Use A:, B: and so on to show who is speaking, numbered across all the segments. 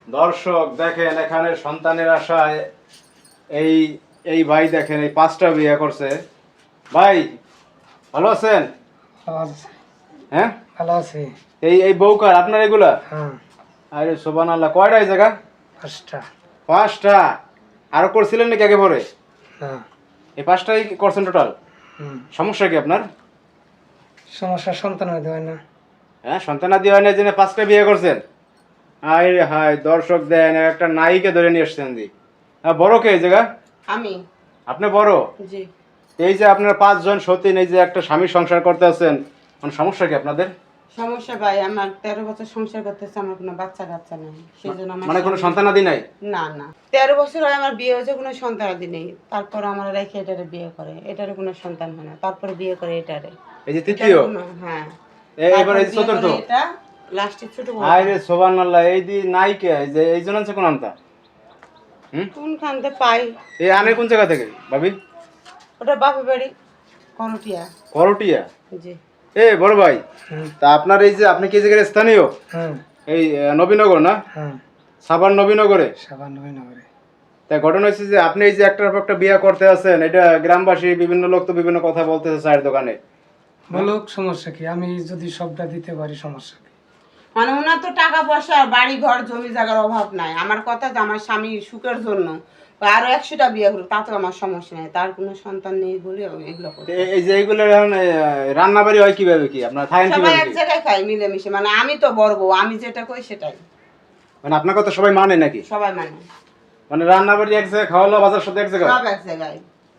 A: দর্শক দেখেন এখানে সন্তানের আশায় এই এই ভাই দেখেন এই 5টা বিয়ে করছে। ভাই ভালো আছেন?
B: ভালো আছে।
A: হ্যাঁ
B: ভালো আছে।
A: এই এই বউকার আপনার এগুলা?
B: হ্যাঁ।
A: আরে সুবহানাল্লাহ, কয়টা এই জায়গা?
B: 5টা।
A: 5টা? আরো করছিলেন নাকি আগে পরে?
B: না।
A: এই 5টাই করছেন টোটাল? সমস্যা কি আপনার?
B: সমস্যা সন্তান হইতে হয় না।
A: হ্যাঁ, সন্তানাদি হয় না জেনে 5টা বিয়ে করছেন? আরে হায়, দর্শক দেন একটা নায়িকা ধরে নিয়ে এসছেন জি। বড় কে এই জায়গা?
C: আমি।
A: আপনি বড়?
C: জি।
A: এই যে আপনার 5 জন সতীন, এই যে একটা স্বামী সংসার করতে আছেন, মানে সমস্যা কি আপনাদের?
C: সমস্যা ভাই, আমার 13 বছর সংসার করতেছে, আমার কোনো বাচ্চা কাচ্চা নাই, সেজন্য আমার
A: মানে কোনো সন্তানাদি নাই?
C: না না, 13 বছর হয় আমার বিয়ে হয়েছে, কোনো সন্তানাদি নেই। তারপর আমার রেখে এটারে বিয়ে করে, এটারে কোনো সন্তান হয় না, তারপরে বিয়ে করে এটারে।
A: এই যে তৃতীয়?
C: হ্যাঁ।
A: এবার এই চতুর্থ?
C: এটা লাস্টে ছোট বড়।
A: আরে সুবহানাল্লাহ, এই দি নায়িকা এই যে এই জন আছে কোন আনতা?
C: কোনখানতে পাই?
A: এই আনে কোন জায়গা থেকে ভাবি?
C: ওটা বাপের বাড়ি, করটিয়া।
A: করটিয়া?
C: জি।
A: এ বড় ভাই, তা আপনার এই যে আপনি কি জায়গার স্থানীয়?
B: হ্যাঁ।
A: এই নবীনগর না?
B: হ্যাঁ।
A: সাভার নবীনগরে?
B: সাবান নবীনগরে।
A: তাই ঘটনা হচ্ছে যে আপনি এই যে একটার পর একটা বিয়ে করতে আছেন, এটা গ্রামবাসী বিভিন্ন লোক তো বিভিন্ন কথা বলতেছে চায়ের দোকানে।
B: বলুক, সমস্যা কি? আমি যদি সবটা দিতে পারি, সমস্যা কি?
C: মানে ওনার তো টাকা পয়সা বাড়ি ঘর জমি জায়গার অভাব নাই। আমার কথা যে আমার স্বামী সুখের জন্য আরো 100টা বিয়ে করুক, তাতেও আমার সমস্যা নেই। তার কোনো সন্তান নেই বলে এগুলো করে।
A: এই যে এইগুলো এখন রান্না বাড়ি হয় কিভাবে, কি আপনার খায়েন
C: সবাই
A: কিভাবে
C: এক
A: কি?
C: জায়গায় খাই মিলেমিশে, মানে আমি তো বড় বউ, আমি যেটা কই সেটাই
A: মানে আপনার কথা সবাই মানে নাকি?
C: সবাই মানে।
A: মানে রান্না বাড়ি এক জায়গায়, খাওয়া দাওয়া বাজার সাথে এক জায়গায়?
C: সব এক জায়গায়।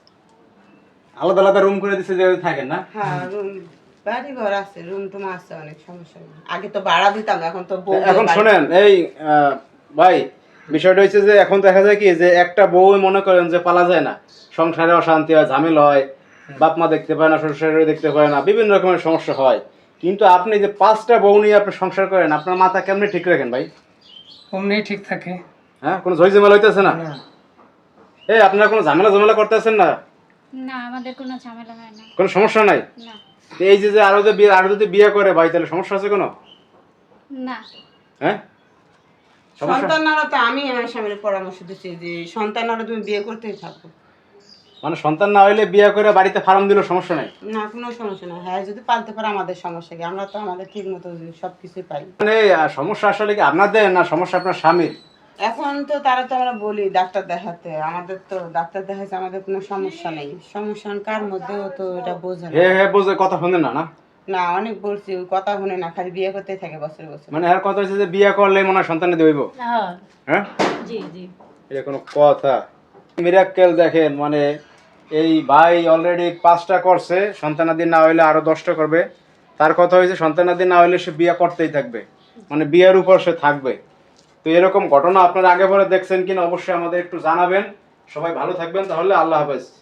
A: আলাদা আলাদা রুম করে দিচ্ছে যে থাকেন না?
C: হ্যাঁ, রুম বাড়ি ঘর আছে, রুম টুম আছে, অনেক সমস্যা নেই। আগে তো ভাড়া দিতাম, এখন তো বউ।
A: এখন শোনেন এই ভাই, বিষয়টা হচ্ছে যে এখন দেখা যায় কি যে একটা বউ মনে করেন যে পালা যায় না, সংসারে অশান্তি হয়, ঝামেলা হয়, বাপ মা দেখতে পায় না, শ্বশুর দেখতে পায় না, বিভিন্ন রকমের সমস্যা হয়। কিন্তু আপনি যে 5টা বউ নিয়ে আপনি সংসার করেন, আপনার মাথা কেমনে ঠিক রাখেন ভাই?
B: অমনি ঠিক থাকে।
A: হ্যাঁ, কোনো ঝই ঝামেলা হইতেছে না?
B: না।
A: এই আপনারা কোনো ঝামেলা করতেছেন না?
D: না, আমাদের কোনো ঝামেলা হয় না।
A: কোনো সমস্যা নাই?
D: না।
A: এই যে যে আরো যদি বিয়ে করে ভাই, তাহলে সমস্যা আছে কোনো?
D: না।
A: হ্যাঁ, সমস্যা?
C: সন্তানরা তো আমি আমার স্বামীর পরামর্শ দিচ্ছি যে সন্তানরা তুমি বিয়ে করতেই থাকো।
A: মানে সন্তান না হইলে বিয়ে করে বাড়িতে ফার্ম দিলেও সমস্যা নাই?
C: না, কোনো সমস্যা না। হ্যাঁ, যদি পালতে পারে আমাদের সমস্যা কি? আমরা তো আমাদের ঠিক মতো সবকিছুই পাই।
A: মানে সমস্যা আসলে কি আপনাদের না সমস্যা আপনার স্বামীর?
C: এখন তো তারা তো আমরা বলি ডাক্তার দেখাতে, আমাদের তো ডাক্তার দেখাচ্ছে, আমাদের কোনো সমস্যা নেই। সমস্যা কার মধ্যেও তো এটা বোঝে না।
A: হ্যাঁ বোঝে, কথা শুনে না? না
C: না, অনেক বলছি, ওই কথা শুনে না, খালি বিয়ে করতেই থাকে বছর বছর।
A: মানে এর কথা হচ্ছে যে বিয়ে করলে মনে হয় সন্তান হইব? হ্যাঁ,
D: জি জি।
A: এটা কোনো কথা? মিরাক্কেল দেখেন, মানে এই ভাই অলরেডি 5টা করছে, সন্তানাদি না হইলে আরো 10টা করবে। তার কথা হয়েছে সন্তানাদি না হইলে সে বিয়ে করতেই থাকবে, মানে বিয়ের উপর সে থাকবে। তো এরকম ঘটনা আপনারা আগে পরে দেখছেন কিনা অবশ্যই আমাদের একটু জানাবেন। সবাই ভালো থাকবেন, তাহলে আল্লাহ হাফেজ।